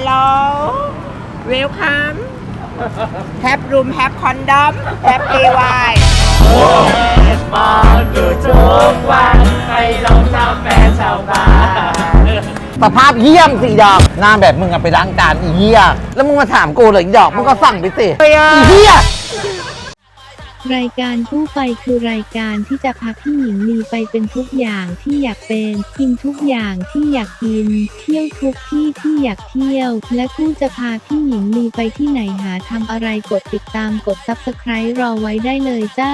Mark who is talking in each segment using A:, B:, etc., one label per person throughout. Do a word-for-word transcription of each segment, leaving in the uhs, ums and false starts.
A: hello welcome have room have condom have ay
B: มาอยู่ทุกวันให้ลองทำแฟนชาวบ้านสภาพเยี่ยมสิดอกหน้าแบบมึงอะไปล้างจานอีเหี้ยแล้วมึงมาถามกูเลยอีดอกมึงก็สั่งไปสิอีเหี้ย
C: รายการคู่ไปคือรายการที่จะพาพี่หญิงลีไปเป็นทุกอย่างที่อยากเป็นกินทุกอย่างที่อยากกินเที่ยวทุกที่ที่อยากเที่ยวและคู่จะพาพี่หญิงลีไปที่ไหนหาทำอะไรกดติดตามกดซับสไครบ์รอไว้ได้เลยจ้า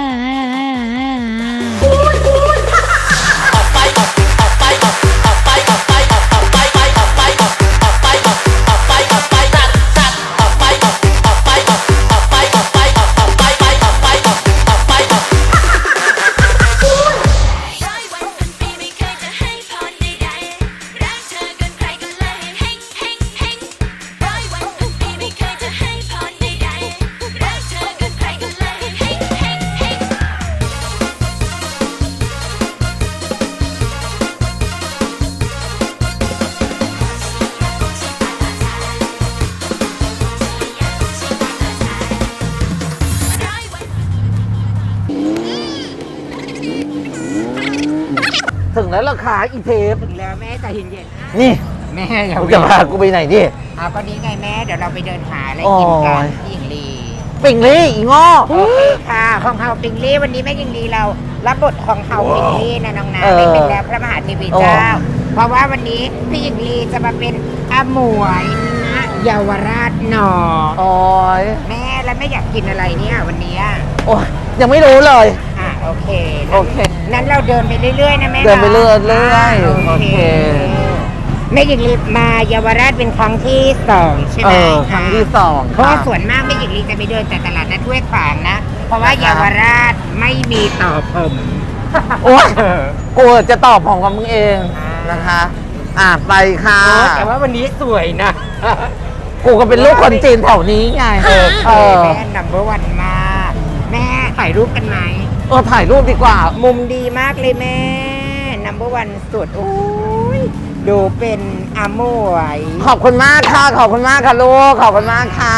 C: ถึงแล้วราคาอีเทป
A: ถึงแล้วแม่ใจเย็นๆ
B: นี่
A: แม่อย่า
B: จะพากูไปไหนดิ
A: เอาก็นี้ไงแม่เดี๋ยวเราไปเดินหาอะไรกินกันที่หญิงลี
B: ปิ่งลี่อีง้อ
A: โอเคค่ะของเฮาปิงลี่วันนี้แม่หญิงลีเรารับบทของเฮาปิงลี่นะน้องน้ำไม่เป็นแล้วพระมหาเทวีเจ้าเพราะว่าวันนี้พี่หญิงลีจะมาเป็นอาหมวยนะเยาวราชหนอ
B: โอ้ย
A: แม่แล้วไม่อยากกินอะไรเนี่ยวันนี้
B: โอ้ยยังไม่รู้เลย
A: อ่ะโอเค
B: โอเค
A: นั้นเราเดินไปเรื่อยๆนะแม่
B: เดินไปเรื่อยๆโอเค
A: แม่หญิงลีมาเยาวราชเป็นครั้งที่สองใช่ไหม
B: ครั้งที่สอง
A: เพราะส่วนมากแม่หญิงลีจะไปเดินแต่ตลาดนัดห้วยขวางนะเพราะว่าเยาวราชไม่มีต่อผม
B: โอ้ยกูจะตอบของกับมึงเองนะคะอ่ะไปค่ะ
A: แต่ว่าวันนี้สวยนะ
B: กูก็เป็นลูกคนจีนแถวนี้ไง
A: เออแม่นัมเบอร์วันมากแม่ถ่ายรูปกันไหม
B: เออถ่ายรูปดีกว่า
A: มุมดีมากเลยแม่นัมเบอร์วันสุดโอ้ยดูเป็นอาหมวย
B: ขอบคุณมากค่ะขอบคุณมากค่ะลูกขอบคุณมากค่ะ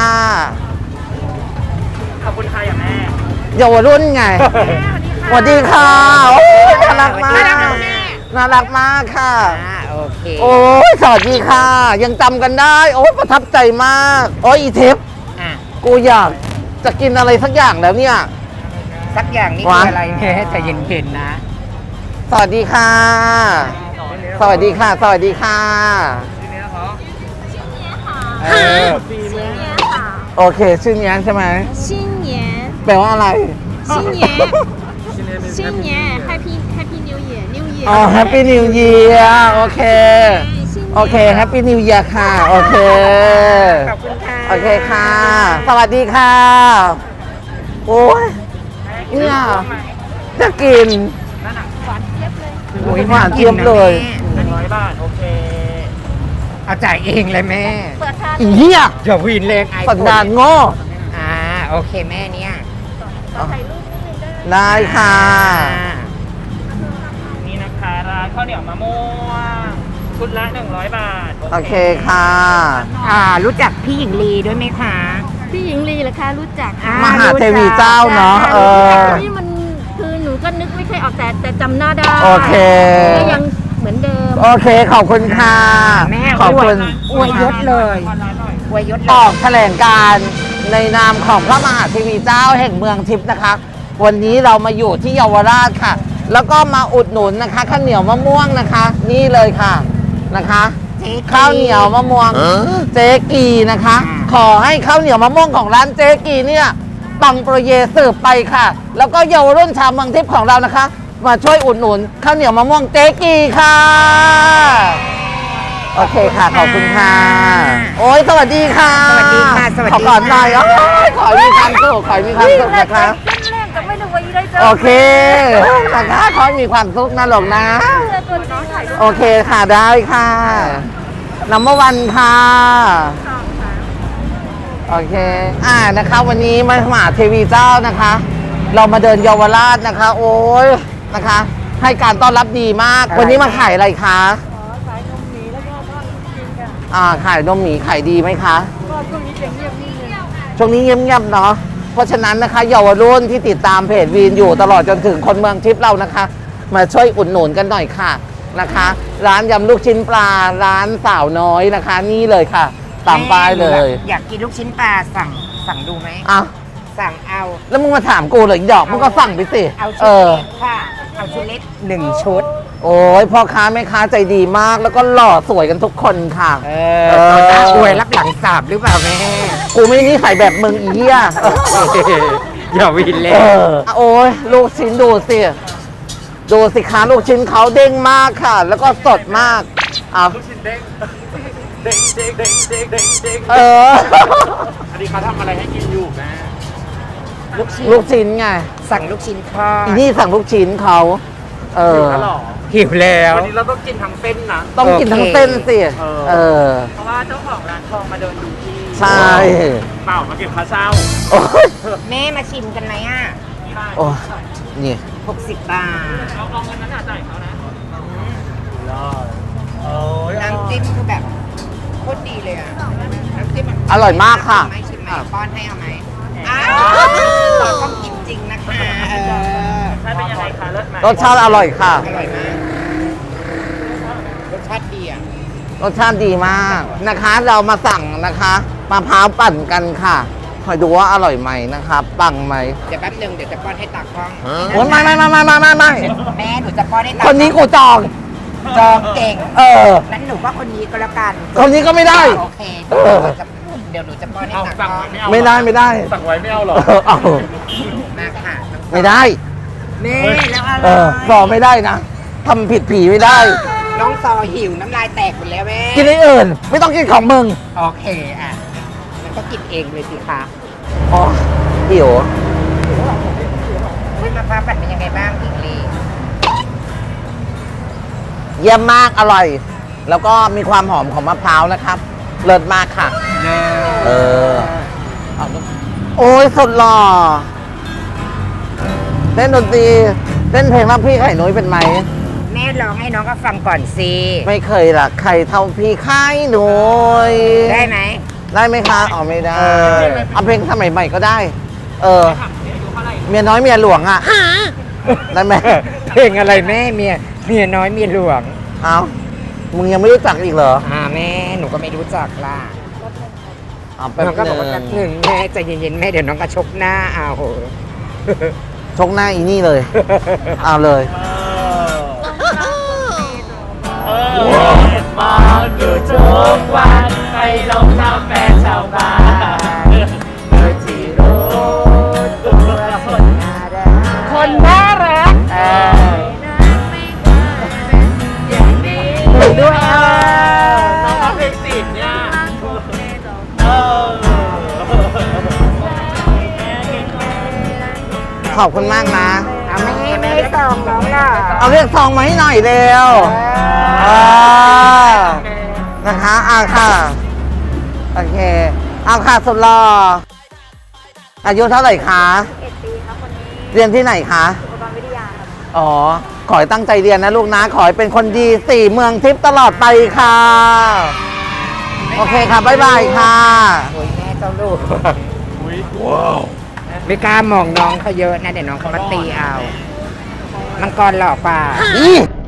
A: ขอบคุณค่ะอย่างแม่
B: เยาวรุ่นไงสวัสดีค่ะโอ้ยน่ารักมากน่ารักมากค่ะ
A: โอเค
B: โอ้ยสวัสดีค่ะยังจำกันได้โอ้ยประทับใจมากโอ้ยอีเทปกูอยากจะกินอะไรสักอย่างแล้วเนี่ย
A: สักอย่างนี่คืออะไรแม่ใจเย็นๆนะ
B: สวัสดีค่ะสวัสดีค่ะสวัสดีค่ะโอเคชื่อเนี้ยใช่ไหม
C: ชินเนีย
B: แปลว่าอะไร
C: ชินเนียชินเนีย Happy Happy New Year New Year
B: อ๋อ Happy New Year โอเคโอเค Happy New Year ค่ะโอเค
A: ขอบคุณค่ะ
B: โอเคค่ะสวัสดีค่ะโอ้ยเนี่ยจะกิน
A: หวานเจี๊ยบเลย
B: โอ้ยหวานเจี๊ยบเลย
A: หนึ่งร้อยบาทโอเคเอาจ่ายเองเลยแม่
B: อีเหี้ย
A: อย่าวีนเลย
B: สันดานโง่
A: อ่าโอเคแม่เนี่ย
C: ถ่ายรูปนิดนึงได้ไหม
B: ได้ค่ะ
A: นี่นะคะร้านข้าวเหนียวมะม่วงชุดละหนึ่งร้อยบาท
B: โอเคค่ะ
A: อ่ารู้จักพี่หญิงลีด้วยไหมคะ
C: พี่หญิงลีเหรอคะรู้จัก
B: มหาเทวีเจ้าเนาะเออ
C: นี่มันคือหนูก็นึกไม่ค่อยออกแต่แต่จำหน้าได้
B: โอเค
C: ก็ยังเหมือนเดิม
B: โอเคขอบคุณค่ะ
A: แม่
B: ขอบคุณ
A: อวยยศเลยอวยยศ
B: ออกแถลงการในนามของพระมหาเทวีเจ้าแห่งเมืองทิพย์นะคะวันนี้เรามาอยู่ที่เยาวราชค่ะแล้วก็มาอุดหนุนนะคะข้าวเหนียวมะม่วงนะคะนี่เลยค่ะนะคะข้าวเหนียวมะม่วงเจ๊กีนะคะขอให้ข้าวเหนียวมะม่วงของร้านเจ๊กีเนี่ยปังโปรเยสืบไปค่ะแล้วก็เยาวรุ่นชาวเมืองทิพย์ของเรานะคะมาช่วยอุดหนุนข้าวเหนียวมะม่วงเจ๊กีค่ะโอเคค่ะขอบคุณค่ะโอ้ยสวัสดีค่ะ
A: สวัสดีค่ะสวัสดี
B: ขอก่อนหน่อยอ๋อขอมีความสุขขอมีความสุขนะคะโอเคนะคะขอมีความสุขนะหลงนะโอเคค่ะได้ค่ะนัมเบอร์วันค่ะโอเคอ่านะคะวันนี้มหาเทวีเจ้านะคะ เรามาเดินเยาวราชนะคะโอ้ยนะคะให้การต้อนรับดีมากวันนี้มาขายอะไรคะขายนมหมีแล้วก็ทอดกินกันอ่าขายนมหมีขายดีไหมคะก็ช่วงนี้เงียบๆช่วงนี้เงียบๆเนาะเพราะฉะนั้นนะคะเยาวรุ่นที่ติดตามเพจวีนอยู่ตลอดจนถึงคนเมืองทิพย์เรานะคะ มาช่วยอุดหนุนกันหน่อยค่ะนะคะ ร้านยำลูกชิ้นปลาร้านสาวน้อยนะคะ นี่เลยค่ะตามป้ายเลย
A: อยากกินลูกชิ้นปลาสั่งสั่งดูไหม
B: อ่ะ
A: สั่งเอา
B: แล้วมึงมาถามกูเลยดอกมึงก็สั่งไปสิ
A: เอา
B: เอ
A: ชุด
B: อ
A: เล็กค่ะ เอาชุดเล็กหนึ่งชุด
B: โอ้ยพ่อค้าแม่ค้าใจดีมาก แล้วก็หล่อสวยกันทุกคนค่ะ
A: เออตอนน้าอวยรับหลังสาบหรือเปล่าแม่
B: กูไม่นิสัยแบบมึงอีเหี้ย
A: อย่าวินเล
B: เอย อโอ้ยลูกชิ้นดูสิ ดูสิคะลูกชิ้นเขาเด้งมากค่ะ แล้วก็สดมากเอา
D: ลูกชิ้นเด้งเด้งเด้งเด้งเด้งเด้งเด้ง
B: เออ
D: อันนี้เขาทำอะไรให้กินอยู่แม่
A: ลูกชิ้น
B: ลูกชิ้นไง
A: สั่งลูกชิ้นทอด
B: อีนี่สั่งลูกชิ้นเขาเอ
D: หิ
B: อ
D: วแล้วเหรอ
A: หิวแล้ว
D: วันนี้เราต้องกินทั้งเส้นนะ
B: ต้องกินทั้งเส้นสิ
D: เออ
B: เออ
D: เพราะว่าเจ้าของร้านทองมาเดินดูที่
B: ใช่
D: เปล่ามาเก็บค่าเช่า
B: โอ้ย
A: แม่มาชิมกันไหมอ่ะ
B: โอ้ยนี่
A: หกสิบบาท
D: เอาเอาเงินนั้นจ่ายเขานะรอดโอ้ย
A: น้ำจิ้มคือแบบโคตรดีเลยอ่ะ น้ำจิ้มมัน
B: อร่อยมากค่ะ
A: ไม่ชิมไหมป้อนให้เอาไหมอ้าวเราต้องกินจริงนะคะ เออ
D: ใช่เป็นยังไงคะเลิศไหม
B: รสชาติอร่อยค่ะ
A: อร่อยมาก รสชาติดีอ่ะ
B: รสชาติดีมากนะคะ เรามาสั่งนะคะมะพร้าวปั่นกันค่ะคอยดูว่าอร่อยไหมนะคะปังไหม
A: เดี๋ยวแป๊บนึงเดี๋ยวจะป้อนให้ตากล้อง
B: โอ้ยไม่ไม่ไม่ไม่ไม่ไม่ไม่
A: แม่หนูจะป้อนให้ตาก
B: คนนี้กูจอง
A: จองเก่ง
B: เออ
A: นั้นหนูก็คนนี้ก็แล้วกัน
B: คนนี้ก็ไม่ได้
A: โอเคเดี๋ยวหนูจะเดี๋ยวหนูจะป้อนให้
D: เอา
A: ตาก
D: สั่ง
A: ล้อง
D: ไว้ไม่เอา
B: ไม่ได้ไม่ได้
D: สั่งไว้ไม่เอาเหรอ
B: เออเอา
A: มาค่ะ
B: ไม่ได้
A: แม่แล้วอะ
B: เอ
A: ไร
B: อสอไม่ได้นะทำผิดผีไม่ได้
A: น้องซอหิวน้ำลายแตกหมดแล้วแม่
B: กินไอ้อื่น ไม่ต้องกินของมึง
A: โอเคอ่ะมันก็กินเองเลยสิคะ
B: อ๋อหิว
A: คุณมะพร้าวปั่นเป็นยังไงบ้างหญิงลี
B: เยี่ยมมากอร่อย แล้วก็มีความหอมของมะพร้าวนะครับ เลิศมากค่ะ เออ โอ้ยสุดหล่อเล่นดนตรีเล่นเพลงรักพี่ไข่นุ้ยเป็นไหม
A: แม่ร้องให้น้องก็ฟังก่อนสิ
B: ไม่เคยรักใครเท่าพี่ไข่นุ้ย
A: ได้ไหม
B: ได้ไหมคะอ๋อไม่ได้เอาเพลงสมัยใหม่ก็ได้ เออ เมียน้อยเมียหลวงอ่ะได้ไหม
A: เพลงอะไรแม่เมียเมียน้อยเมียหลวง
B: เอามึงยังไม่รู้จักอีกเหรอ
A: อ่าแม่หนูก็ไม่รู้จักล่ะ
B: เอาแป๊บ
A: น้องก็บอกว่า
B: ห
A: แป๊
B: นึ่
A: บ
B: ง
A: หนึ่งแม่ใจเย็นๆแม่เดี๋ยวน้องก็ชกหน้าเอาโห
B: ชกหน้าอีนี่เลย เอาเลย
D: เออมาเกิดทุกวันให้ลงน้ำแฟนชาวบ้านเมื่อที่รู้ตัวคนน่ารัก
A: คนน่ารัก
D: เออ
A: หนูด้วยเอ
D: น้อง
A: อ
D: เพลงติดเนี่ยเออ
B: ขอบคุณมากนะ
A: เอาแม่ไม่ส่งน้องหรอ
B: เอาเรียกซองมาให้หน่อยเร็วอ่านะคะอ่าค่ะ โอเคเอาค่ะสุดหล่ออายุเท่าไหร่คะ
E: เอ็ดปีครับคนนี้
B: เรียนที่ไหนคะ
E: อุปกรณ์วิทยาครับ
B: อ๋อ ขอให้ตั้งใจเรียนนะลูกนะ ขอให้เป็นคนดีสี่เมืองทิพย์ตลอดไปค่ะ โอเคค่ะ บ๊ายบายค่ะ
A: โอ้ยแม่เจ้าลูกไม่กล้ามองน้องเขาเยอะนะเดี๋ยวน้องเขามาตีเอามังกรหล่อป่า
B: อี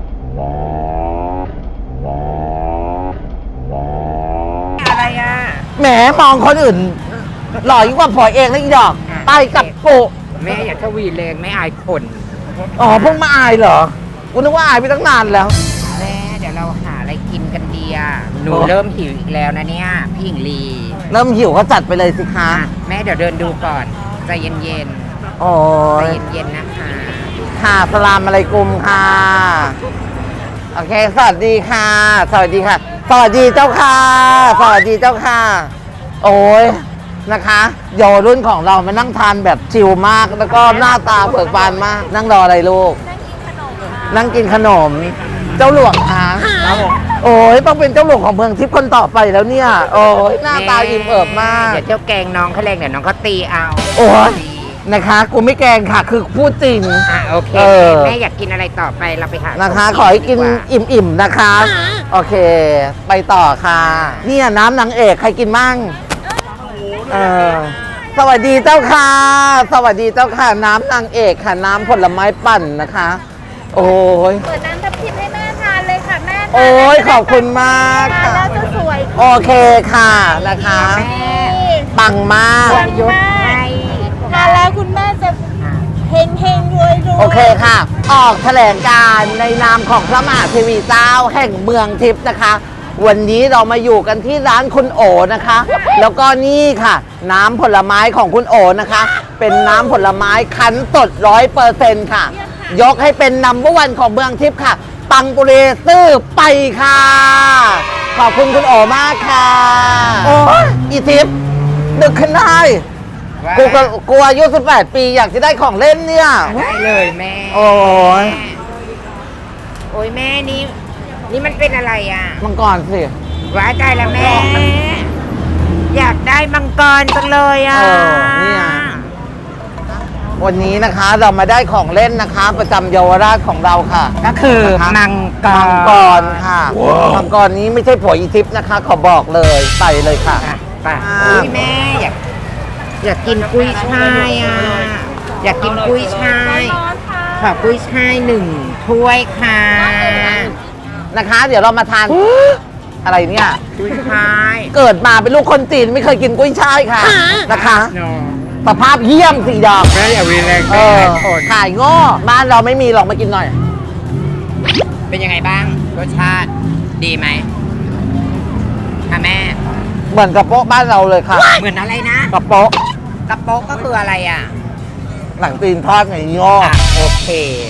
A: อะไรอ่ะ
B: แหมมองคนอื่น หล่อยิ่งกว่าผัวเองแล้วอีดอก
A: อ่ะ
B: ไปกับโปะ
A: แม่อย่าทวีเลงไม่อายคน
B: อ๋อเพิ่งมาอายเหรอกูนึกว่าอายไปตั้งนานแล้ว
A: แม่เดี๋ยวเราหาอะไรกินกันดีอ่ะหนู
B: โอ้
A: เริ่มหิวอีกแล้วนะเนี่ยพี่หญิงลี
B: เริ่มหิวก็จัดไปเลยสิคะ
A: อ่ะแม่เดี๋ยวเดินดูก่อนใจเย็น
B: โอ้
A: ๆใจ
B: ย
A: เย็นๆนะคะ
B: ค่ะสลามอะไรกุมค่ะ โอเค สวัสดีค่ะ สวัสดีค่ะ สวัสดีเจ้าค่ะ สวัสดีเจ้าค่ะ โอ้ยนะคะเยาวรุ่นของเรามานั่งทานแบบชิลมาก แล้วก็หน้าตาเบิกบานมาก นั่งรออะไรลูก นั่งกินขนม เจ้าหลวงคะ
D: ครับผม
B: โอ้ยต้องเป็นเจ้าหลวงของเมืองทิพย์คนต่อไปแล้วเนี่ย โอ้ยหน้าตาอิ่มเอิบมาก
A: เดี๋ยวเที่ยวแกงน้องเขาแรงเดี๋ยวน้องเขาตีเอา
B: โอ้ยนะคะ กูไม่แกล้งค่ะ คือพูดจริง
A: อ่ะโอเค
B: เออ
A: แม่อยากกินอะไรต่อไปเราไปหา
B: นะคะ
A: ของ
B: ขอให้กิน
A: ดีว่า
B: อิ่มๆนะคะ โอเค ไปต่อค่ะเนี่ยน้ำนางเอกใครกินมั่งเออสวัสดีเจ้าค่ะ สวัสดีเจ้าค่ะ น้ำนางเอกค่ะ น้ำผลไม้ปั่นนะคะ โอ้ย
E: เปิดน้ำทับทิมให้แม่ทานเลยค่ะแม่
B: โอ้ยขอบคุณมาก
E: ทาน
B: ค่ะ
E: แล้วจะสวย
B: โอเคค่ะนะคะ
A: แม่
B: ปังมาก
A: ยกให้
E: ทานแล้วคุณแม่จะเฮงเฮงรวยรวย
B: โอเคค่ะ ออกแถลงการณ์ในนามของพระมหาเทวีเจ้าแห่งเมืองทิพย์นะคะ วันนี้เรามาอยู่กันที่ร้านคุณโอนะคะ แล้วก็นี่ค่ะ น้ำผลไม้ของคุณโอนะคะ เป็นน้ำผลไม้คั้นสดร้อยเปอร์เซ็นต์ค่ะ ยกให้เป็นนัมเบอร์วันของเมืองทิพย์ค่ะ ปังปุเรซื่อไปค่ะ ขอบคุณคุณโอมากค่ะ โอ้ยอีทิพย์ดึกขึ้นได้
A: ว่า
B: กูก็กูอายุสิบแปดปีอยากจะได้ของเล่นเนี่ย
A: ได้เลยแม่
B: โอ้ย
A: โอ้ยแม่นี่นี่มันเป็นอะไรอ่ะ
B: มังกรสิ
A: ว้ายตายแล้วแม่ อยากได้มังกรจังเลยอ่ะ
B: เออเนี่ย วันนี้นะคะเรามาได้ของเล่นนะคะ ประจำเยาวราชของเราค่ะ
A: ก็คือ
B: นะคะ
A: มังกร
B: มังกรค่ะมังกรนี้ไม่ใช่ผัวอีทิพย์นะคะ ขอบอกเลยใส่เลยค่ะ
A: อ่ะไป
B: อ่า
A: อุ้ยแม่อยากอยากกินกุ้ยช่ายอ่ะ อยากกินกุ้ยช่าย
E: ร้อนค่ะ
A: ขอกุ้ยช่ายหนึ่งถ้วยค่ะ
B: นะคะ เดี๋ยวเรามาทาน อะไรเนี่ย
A: กุ้ยช่าย
B: เกิดมาเป็นลูกคนจีนไม่เคยกินกุ้ยช่ายค่ะนะคะ
A: เนาะ
B: สภาพเยี่ยมสีดอก
A: แม่อย่าวีแรง
B: เอ
A: แม่
B: อ
A: คน
B: ขายโง่บ้านเราไม่มีหรอกมากินหน่อย
A: เป็นยังไงบ้างรสชาติดีไหมค่ะแม่
B: เหมือนกระโปะบ้านเราเลยค่ะ
A: เหมือนอะไรนะ
B: กระโปะ
A: กระโป๊กก็คืออะไรอ่ะ
B: หลังตีนทอดไงโง่
A: อ่ะโอเค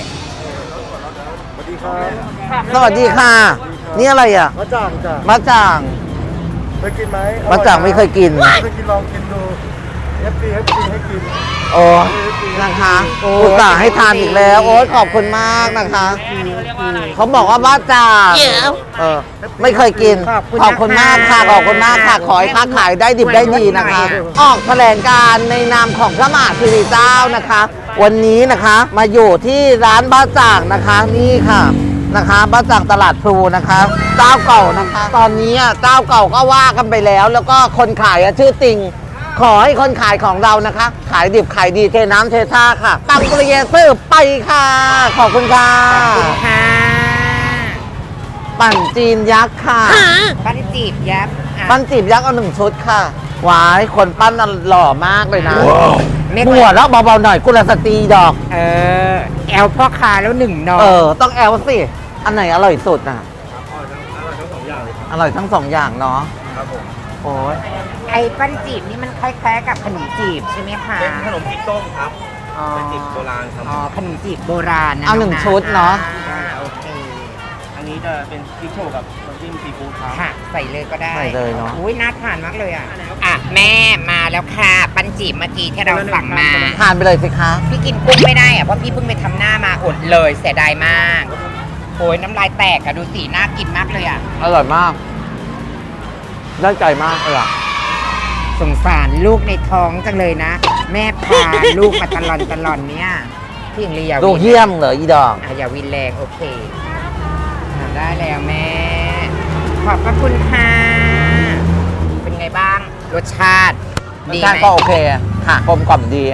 B: สวัสดีค่ะ นี่อะไรอ่ะ
F: มะจ่างจ้ะ
B: มะจ่าง
F: เคยกินไหม
B: มะจ่างไม่เคยกิน
F: เคยกินลองกินดูเอฟซีเอฟซีให้กิน
B: โอ้นะคะอุตส่าห์ให้ทานอีกแล้ว โอ้ยขอบคุณมากนะคะ เขาบอกว่าบ้าจ่างเออไม่เคยกิน ขอบคุณมากค่ะ ขอบคุณมากค่ะ ขอให้ค้าขายได้ดิบได้ดีนะคะ ออกแถลงการณ์ในนามของพระมหาเทวีเจ้านะคะ วันนี้นะคะมาอยู่ที่ร้านบ้าจ่างนะคะ นี่ค่ะนะคะบ้าจ่างตลาดพลูนะคะ เจ้าเก่านะคะ ตอนนี้อ่ะเจ้าเก่าก็ว่ากันไปแล้ว แล้วก็คนขายอ่ะชื่อติง ขอให้คนขายของเรานะคะ ขายดิบขายดีเทน้ำเทท่าค่ะปังปริเยซื้อไปค่ะ ขอบคุณค่ะ
A: ขอบคุณค่ะ
B: ปั่นจีนยักษ์ค่ะ
A: ปั้นจีบยับอ่ะ
B: ปั้นจีบยักษ์เอาหนึ่งชุดค่ะหวายคนปั้นน่ะหล่อมากเลยนะ
A: ไม่
B: หัวแล้วเบาๆหน่อยกุลสตรีดอก
A: เออ แอลพ่อคาแล้วหนึ่งน้อง
B: เออ ต้องแอลสิ อันไหนอร่อยสุดอ่ะ อร่อยทั้งสองอย่างเนาะ
F: ครับผม
B: โอ้ย
A: ไอ้ปั้นจีบนี่มันคล้ายๆกับขนมจีบใช่ไหมคะ
F: เป็นขนมจีบต้มครับ
A: อ๋อ
F: เป็นจีบโบราณครับ
A: อ๋อขนมจีบโบราณนะ
B: เอาหนึ่ง
A: ะ
B: ชุดเนาะ
A: อ่าโอเค
F: อันนี้จะเป็นพริกโชว์กับน้ำจิ้มซีฟู้ดครับ
A: ค่ะ ใส่เลยก็ได้
B: ใส่เลยเนาะ
A: อุ้ยน่าทานมากเลยอ่ะ อ่ะ แม่มาแล้วค่ะ ปั้นจีบเมื่อกี้ที่เราสั่งมา
B: ทานไปเลยสิคะ
A: พี่กินกุ้งไม่ได้อ่ะ เพราะพี่เพิ่งไปทำหน้ามาอดเลยเสียดายมากโอ้ยน้ำลายแตกอะดูสีน่ากินมากเลยอ่ะ
B: อร่อยมาก ได้ใจมากเลยอ่ะ
A: สงสารลูกในท้องจังเลยนะ แม่พา ลูกมาตลอนตลอนเนี้ยพี่หญิงลีอย่า
B: ลูก
A: วิน
B: เยี่ยมเหรออีดอก
A: อ่ะอย่าวินแรงโอเคอ่ะได้แล้วแม่ ขอบพระคุณค่ะ เป็นไงบ้าง รสชาติ
B: รส
A: ดี
B: ชา
A: ไห
B: ติ
A: ม
B: ก็โอเคค่ะกลมกล่อมดี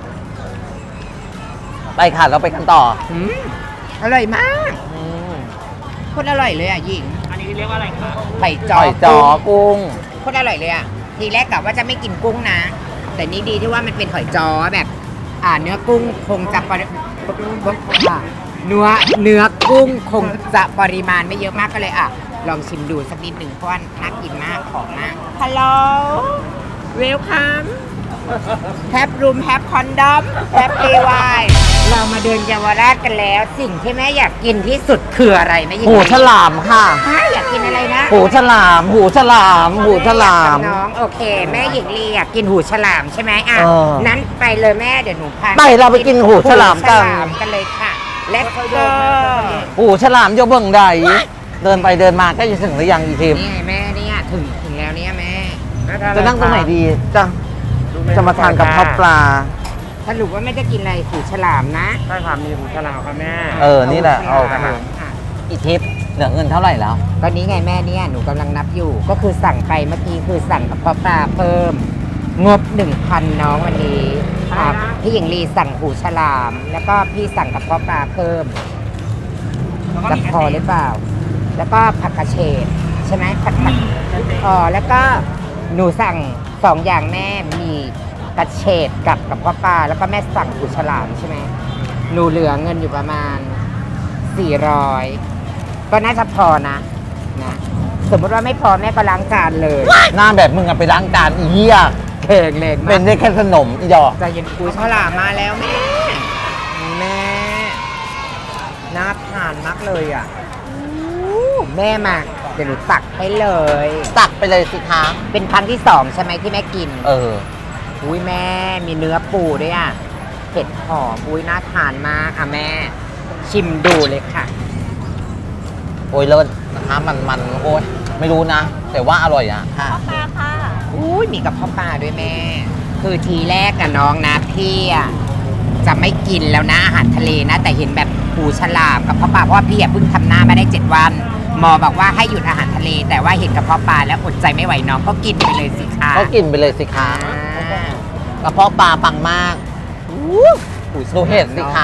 B: ไปค่ะเราไปกันต่อ
A: อืมอร่อยมาก
B: อืม
A: โคตรอร่อยเลยอ่ะหญิง
D: อันนี้เรียกว่าอะไรครับ
A: ไข่จ
B: จ
A: อ
B: อยจอกุ้ง
A: โคตรอร่อยเลยอ่ะ ทีแรกกะว่าจะไม่กินกุ้งนะ แต่นี่ดีที่ว่ามันเป็นหอยจอแบบ อ่าเนื้อกุ้งคงจะปริอ่าเนื้อเนื้อกุ้งคงจะปริมาณไม่เยอะมากก็เลยอ่ะ ลองชิมดูสักนิดหนึ่งเพราะว่าน่ากินมากของมากฮัลโหลเวลคัมแฮปรูมแฮปคอนดอมแฮปเอวายเรามาเดินเยาวราชกันแล้ว สิ่งที่แม่อยากกินที่สุดคืออะไรแม่ยิง
B: หูฉลามค่ะ
A: ฮะอยากกินอะไรนะ
B: หูฉลาม หูฉลาม หูฉลาม
A: น้องโอเค แม่หญิงลีอยากกินหูฉลามใช่ไหมอ่ะ
B: เออ
A: นั้นไปเลยแม่เดี๋ยวหนูพา
B: ไปเราไปกินหูฉลามกัน
A: หูฉลามกันเลยค่ะ และก็
B: หูฉลามโยเบิ่งใด เดินไปเดินมาก็จะถึงหรือยังอีทีม
A: นี่ไงแม่เนี่ยถึงถึงแล้วเนี่ยแม่
B: จะนั่งตรงไหนดี จะจะมาทานกับข้าวปลา
A: สรุปว่าแม่จะกินอะไรหูฉลามนะ
F: ใช่ค่ะมีหูฉลามค่ะแม่
B: เออ นี่แหละ
A: เอา
B: เอา
A: หูฉลาม
B: ค่ะ
A: ค่ะ
B: อีทิปเหลือเงินเท่าไหร่แล้ว
A: ตอนนี้ไงแม่เนี่ยหนูกำลังนับอยู่ ก็คือสั่งไปเมื่อกี้คือสั่งกระเพาะปลาเพิ่ม งบหนึ่งพันน้องวันนี้อ่าพี่หญิงลีสั่งหูฉลาม แล้วก็พี่สั่งกระเพาะปลาเพิ่ม
F: แล้วก็
A: จะ
F: มี
A: พอหรือเปล่า แล้วก็ผักกระเฉดใช่ไหมผัดผักอ๋อแล้วก็หนูสั่งสองอย่างแม่มีกระเฉดกับกระเพาะปลาแล้วก็แม่สั่งหูฉลามใช่ไหมหนูเหลือเงินอยู่ประมาณสี่ร้อยก็น่าจะพอนะนะสมมติว่าไม่พอแม่ก็ล้างจานเลย
B: หน้าแบบมึงอะไปล้างจานอีเหี้ย
A: เข่งเล็ก
B: เป็นได้แค่ขนมอีดอก
A: ใจเย็นหูฉลามมาแล้วแม่แม่น่าทานมากเลยอ่ะแม่มาเดี๋ยวหนูตักให้เลย
B: ตักไปเลยสิคะ
A: เป็นครั้งที่สองใช่ไหมที่แม่กิน
B: เออ
A: อุ้ยแม่มีเนื้อปูด้วยอ่ะเผ็ดหอมอุ้ยน่าทานมากอ่ะแม่ ชิมดูเลยค่ะ
B: โอ้ยเลิศนะคะมันมันโอ้ยไม่รู้นะ แต่ว่าอร่อยอะค่ะ
E: ค่ะค่ะ
A: อุ้ยมีกับพ่อปลาด้วยแม่ คือทีแรกกับน้องนะพี่อ่ะจะไม่กินแล้วนะอาหารทะเลนะ แต่เห็นแบบปูฉลามกับพ่อปลาเพราะว่าพี่อ่ะเพิ่งทำหน้ามาได้เจ็ดวันหมอบอกว่าให้หยุดอาหารทะเล แต่ว่าเห็นกับพ่อปลาแล้วอดใจไม่ไหวน้องก็กินไปเลยสิคะ
B: ก็กินไปเลยสิคะ
A: อ่าก
B: ระเพาะปลาปังมากดูเห็ดสิคะ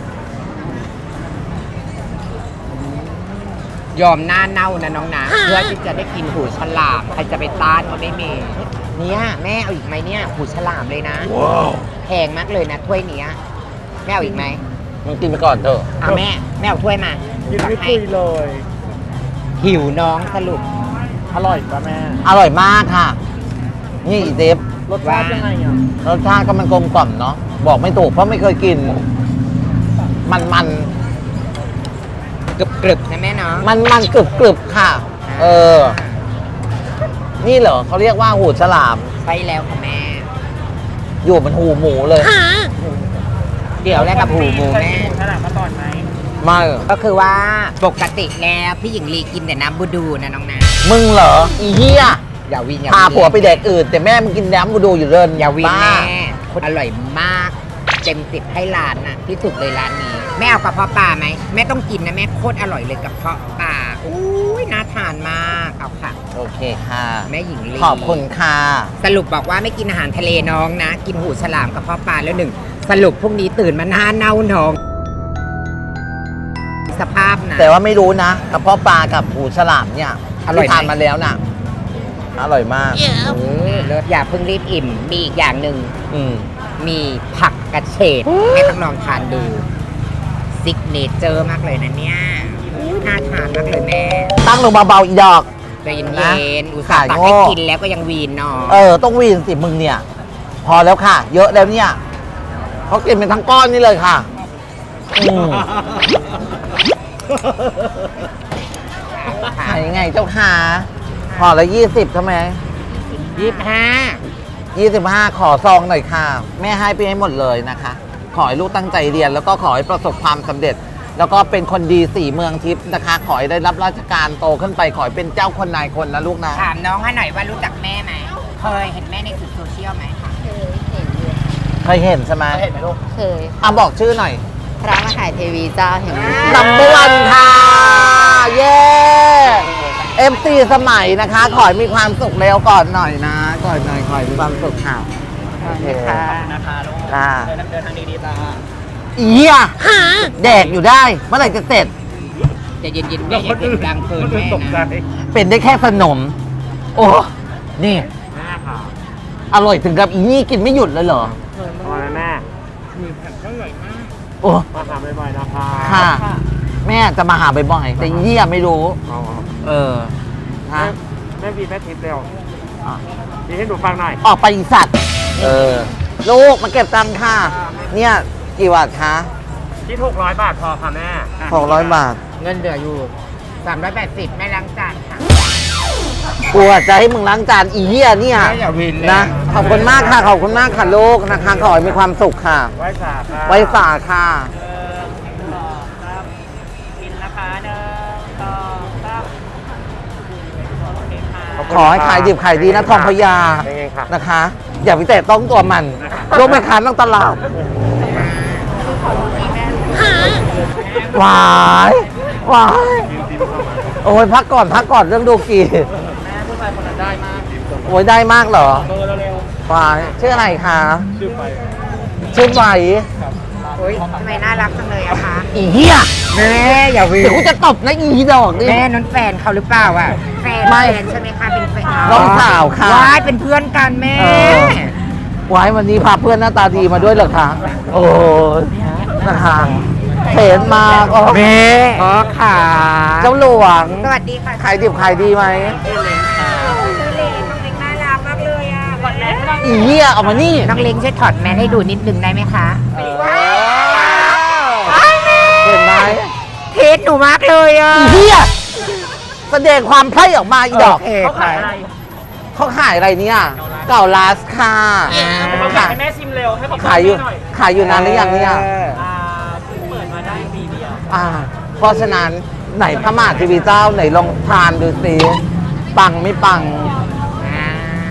A: ยอมหน้าเน่านะน้องนะเพื่อที่จะได้กินหูฉลามใครจะไปต้านก็ไม่มีเนี่ยแม่เอาอีกไหมเนี่ยหูฉลามเลยนะแพงมากเลยนะถ้วยเนี้ยแม่เอาอีกไหม
B: มึงกินไปก่อนเถอะ
A: เอาแม่แม่เอาถ้วยมา
F: กินไม่คุยเลย
A: หิวน้องสรุป
F: อร่อยป่ะแม่
B: อร่อยมากค่ะ นี่อีเดฟ
F: รสชาติยังไงอ่ะ
B: รสชาติก็มันกลมกล่อมเนาะบอกไม่ถูกเพราะไม่เคยกิน มันมัน
A: กรึบกรึบๆนะแม่เนาะ
B: มันมันกรึบกรึบค่ะ เออ นี่เหรอเขาเรียกว่าหูฉลาม
A: ใช่แล้วค่ะแม่
B: อยู่บนหูหมูเลย
A: เดี๋ยวแรกกับหูหมูแม่
F: หูฉลามมาก่อนไหม
B: ไมา
A: ก็คือว่าปกติแล้วพี่หญิงลีกินแต่น้ำบูดูนะน้องนะ
B: มึงเหรออีเหี้ย
A: อย่าวินอย่า
B: พา
A: วิน
B: ผัวไปแดกอื่น แต่แม่มึงกินน้ำกูดูอยู่เดิน
A: อย่าวิน
B: บ้
A: แม่คนอร่อยมากเต็มสิบให้ร้านน่ะที่สุดเลยร้านนี้แม่เอากระเพาะปลาไหมแม่ต้องกินนะแม่โคตรอร่อยเลยกระเพาะปลาอุ้ยน่าทานมากเอาค่ะ
B: โอเคค่ะ
A: แม่หญิงลี
B: ขอบคุณค่ะ
A: สรุปบอกว่าไม่กินอาหารทะเลน้องนะ กินหูฉลามกระเพาะปลาแล้วหนึ่งสรุปพรุ่งนี้ตื่นมาหน้าเน่าน้องสภาพนะ
B: แต่ว่าไม่รู้นะกระเพาะปลากับหูฉลามเนี่ย
A: อร่อยไหม
B: ที่ทานมาแล้วน่ะ อร่อยมาก
A: เออเลิศอย่าเพิ่งรีบอิ่มมีอีกอย่างหนึ่ง
B: อืม
A: มีผักกระเฉดแม่ต้องลองทานดูซิกเนเจอร์มากเลยนะเนี่ยน่าทานมากเลยแม่
B: ตั้งลงเบาๆอีดอก
A: ใจเย็
B: นะ
A: นๆอุตส่าห์ตัก
B: ขายโง่
A: ให้กินแล้วก็ยังวีนเนาะ
B: เออ ต้องวีนสิมึงเนี่ย พอแล้วค่ะ เยอะแล้วเนี่ยเขากินเป็นทั้งก้อนนี่เลยค่ะอืมขายยังไงเจ้าค่ะห่อละยี่สิบทำไม
A: ยี่สิบห้า
B: ยี่สิบห้าขอซองหน่อยค่ะ แม่ให้ไปให้หมดเลยนะคะ ขอให้ลูกตั้งใจเรียน แล้วก็ขอให้ประสบความสำเร็จ แล้วก็เป็นคนดีสี่เมืองทิพย์นะคะ ขอให้ได้รับราชการโตขึ้นไป ขอให้เป็นเจ้าคนนายคนนะลูกนะ
A: ถามน้องให้หน่อยว่ารู้จักแม่ไหมเคยเห็นแม่ในสื่อโซเชียลไหมคะ
E: เคยเห็นอยู่
B: เคยเห็นใช่ไหม
F: เห็นไหมลูก
E: เคย
B: อ่ะบอกชื่อหน่อย
E: พระมหาเทวีเจ้าแห่งยุค
B: นัมเบอร์วันค่ะ เย้เอฟซีสมัยนะคะ ขอให้มีความสุขเร็วก่อนหน่อยนะ ก่อนหน่อยขอให้มีความสุขค่ะโอเค
A: ค่ะ
F: นะคะลูก
B: ค่ะ
F: เดินเดินทางดีๆตา
B: อีเหี้ยแดกอยู่ได้ เมื่อไหร่จะเสร็จ
A: ใจะเย็นๆแม่อย่าเสียงดังเกินแม่
F: ตกใจ
A: นะ
B: เป็นได้แค่ขนม โอ้ นี่
F: แม่ค่ะ
B: อร่อยถึงกับอีนี่กินไม่หยุดเลยเหรอ
F: พอแล้วแม่
B: โอ้
F: มาหาบ่อยๆนะคะ
B: ค่ะ แม่จะมาหาบ่อยๆแต่อีนี่ไม่รู้
F: อ๋อ
B: เออฮะ
F: แม่บีแม่ทิพย์เร็ว
B: อ่ะ
F: บีให้หนูฟังหน่อย
B: ออกไปอีสัตว์ เออ ลูกมาเก็บตังค่ะ เนี่ยกี่บาทคะ
F: ที่หกร้อยบาทพอค่ะแม่
B: หกร้อยบาท
A: เงินเหลืออยู่สามร้อยแปดสิบแม่ล้างจานค่ะ
B: กลัวจะให้มึงล้างจานอีเหี้ยเนี่ย
A: แม่อย่าวินเลย
B: นะ ขอบคุณมากค่ะ ขอบคุณมากค่ะลูกนะคะ ขอให้มีความสุขค่ะ
F: ไว้สาค่ะ
B: ไว้สาค่ะ
F: กินนะคะหนึ่งสองสามโอเคค่ะ
B: ขอให้ขายดิบขายดีนะทองพญา
F: เป็นไงค่ะ
B: นะคะ อย่าไปแตะต้องตัวมัน
F: นะคะ
B: ลูกแม่ค้าต้องตลาดหวายหวายโอ้ยพักก่อนพักก่อนเรื่องดูกี
F: แม่ผู้ชายคนนั้นได้มาก
B: โอ้ยได้มากเหรอ
F: เบอร์เร็ว
B: หวายชื่ออะไรคะ
F: ๆชื่อไป
B: ชื่อไหว
A: โอ้ยทำไมน่ารักจังเลยอะคะ
B: อีเหี้ย
A: แม่อย่าวิ
B: เดี๋ยวกูจะตบนะอีดอกนี่
A: แม่นั้นแฟนเขาหรือเปล่าอะแฟน
B: ไม่
A: แฟนใช่ไหมคะเป็นแฟน
B: น้องสาวค่ะ
A: ว้ายเป็นเพื่อนกันแม่
B: เออ ไว้วันนี้พาเพื่อนหน้าตาดีมาด้วยเหรอคะ โอ้ยนะคะเห็นมาก็
A: แม่อ๋อค่ะ
B: เจ้าหลวง
A: สวัสดีค่ะ
B: ขายดิบขายดีไหม
A: ชื่อเล็กน้องเล็กน่ารักมากเลยอะ
B: อีเหี้ยเอามานี่
A: น้องเล็กช่วยถอดแมสให้ดูนิดนึงได้ไหมคะ
B: เห็นไหม
A: เทสหนูมากเลยอะ
B: อีเหี้ยแสดงความไพร่ออกมาอีดอก
A: โเค
F: เขาขายอะไร
B: เขาขายอะไรเนี่ย เก่าลาสค่ะ
F: เขาขายให้แม่ชิมเร็วให้เขา
B: ขายอยู่
F: หน่อย
B: ขายอยู่นานหรือยังเนี่ย
A: เออ
F: อ่าเพิ่งเปิดมาได้ปีเดียว
B: อ่า เพราะฉะนั้นไหนพระมหาทีวีเจ้าไหนลองทานดูสิปังไม่ปัง
A: อ่า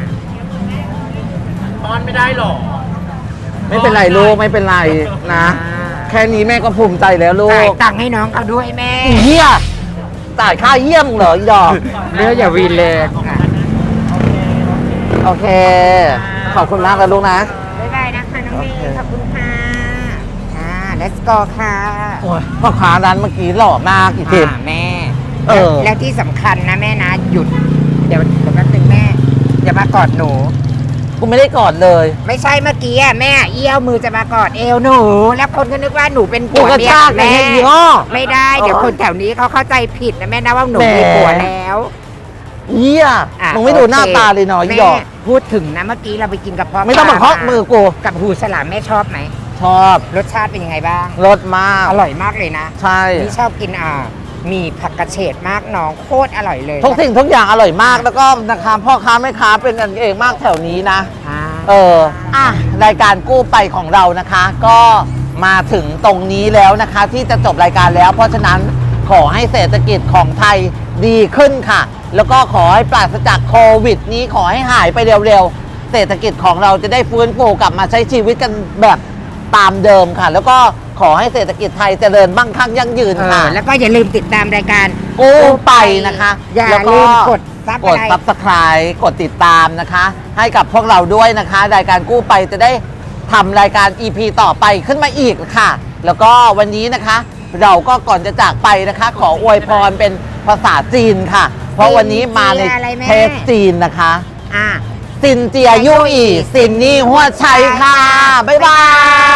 F: ป้อนไม่ได้หรอ
B: ไม่เป็นไรลูกไม่เป็นไรนะ แค่นี้แม่ก็ภูมิใจแล้วลู
A: จ่าย
B: ก
A: ตังค์ให้น้องเขาด้วยแม่
B: อีเหี้ยจ่ายค่าเยี่ยมเหรออีดอก
A: เนื้ออย่าวีเลนค่ะ
B: โอเค ขอบคุณมากแล้วลูกนะ
A: บ๊ายบายนะคะน้องเม
B: โอเค
A: ย์ขอบคุณค่ะอ่า let's go ค่ะ
B: โอ้ยพ่อค้าร้านเมื่อกี้หล่อมากอีทิม
A: อ่าแม่
B: เออ
A: และที่สำคัญนะแม่นะ หยุด เดี๋ยวเดี๋ยวแป๊บนึงแม่ อย่ามากอดหนู
B: กูไม่ได้กอดเลย
A: ไม่ใช่เมื่อกี้อ่ะแม่เอี้ยวมือจะมากอดเอวหนู แล้วคนก็นึกว่าหนูเป็น
B: กู
A: ผัว
B: กระ
A: เมีย
B: ชาก
A: แม่
B: ไอ้ยี่ห้อ
A: ไม่ได้เดี๋ยวคนแถวนี้เขาเข้าใจผิดนะแม่นะว่าหนู
B: แหม
A: มีผัวแล้ว
B: เหี้ย
A: อ่ะ
B: มึงไม่ดูหน้า
A: โอค
B: ตาเลยเนาะอี
A: แม่
B: ดอก
A: พูดถึงนะเมื่อกี้เราไปกินกับพ่อ
B: ไม่ต้องมาเคาะมือกู
A: กับหูฉลามแม่ชอบไหม
B: ชอบ
A: รสชาติเป็นยังไงบ้าง
B: รสมาก
A: อร่อยมากเลยนะ
B: ใช่
A: นี่ชอบกินอ่ามีผักกระเฉดมากน้องโคตรอร่อยเลย
B: ทุกสิ่งทุกอย่างอร่อยมากแล้วก็นะคะพ่อค้าแม่ค้าเป็นกันเองมากแถวนี้นะ
A: อ่า
B: เออ อ่ะ รายการกู้ไปของเรานะคะ ก็มาถึงตรงนี้แล้วนะคะ ที่จะจบรายการแล้ว เพราะฉะนั้นขอให้เศรษฐกิจของไทยดีขึ้นค่ะ แล้วก็ขอให้ปราศจากโควิดนี้ขอให้หายไปเร็วๆ เศรษฐกิจของเราจะได้ฟื้นฟูกลับมาใช้ชีวิตกันแบบตามเดิมค่ะ แล้วก็ขอให้เศรษฐกิจไทยเจริญมั่งคั่งยั่งยืน
A: เอ
B: ค่ะ
A: อแล้วก็อย่าลืมติดตามรายการ
B: กู้ไปนะคะ
A: อย่า
B: แล้วก็
A: ลืมกดซับ
B: กด subscribe กดติดตามนะคะ ให้กับพวกเราด้วยนะคะ รายการกู้ไปจะได้ทำรายการ อี พี ต่อไปขึ้นมาอีกค่ะ แล้วก็วันนี้นะคะ เราก็ก่อนจะจากไปนะคะ ขออวยพรเป็นภาษาจีนค่ะ เพราะวันนี้มาใน
A: อะไรแม่
B: เทปจีนนะคะ
A: อ่า
B: ซินเจียยู่อีซินนี่หัวชัยค่ะ บ๊ายบาย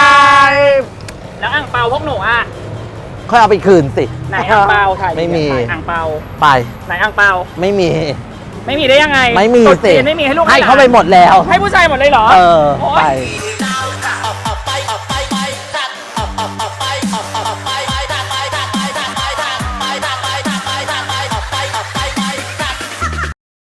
F: แล้วอ่างเปาพวกหนูอ่ะ
B: ค่อยเอาไปคืนสิ
F: ไหนอ่างเปาถ่าย
B: ไม่มี
F: อ่างเปา
B: ไป
F: ไหนอ่างเปา
B: ไม่มี
F: ไม่มีได้ยังไง
B: ไม่มี
F: ตุ๊ด
B: สิ
F: จีนไม่มีให้ลูก
B: ให้
F: ลน
B: เขาไปหมดแล้ว
F: ให้ผู้ชายหมดเลยเหรอ
B: เออ
F: โอ๊ย
B: ไป
D: ไปไปไปไป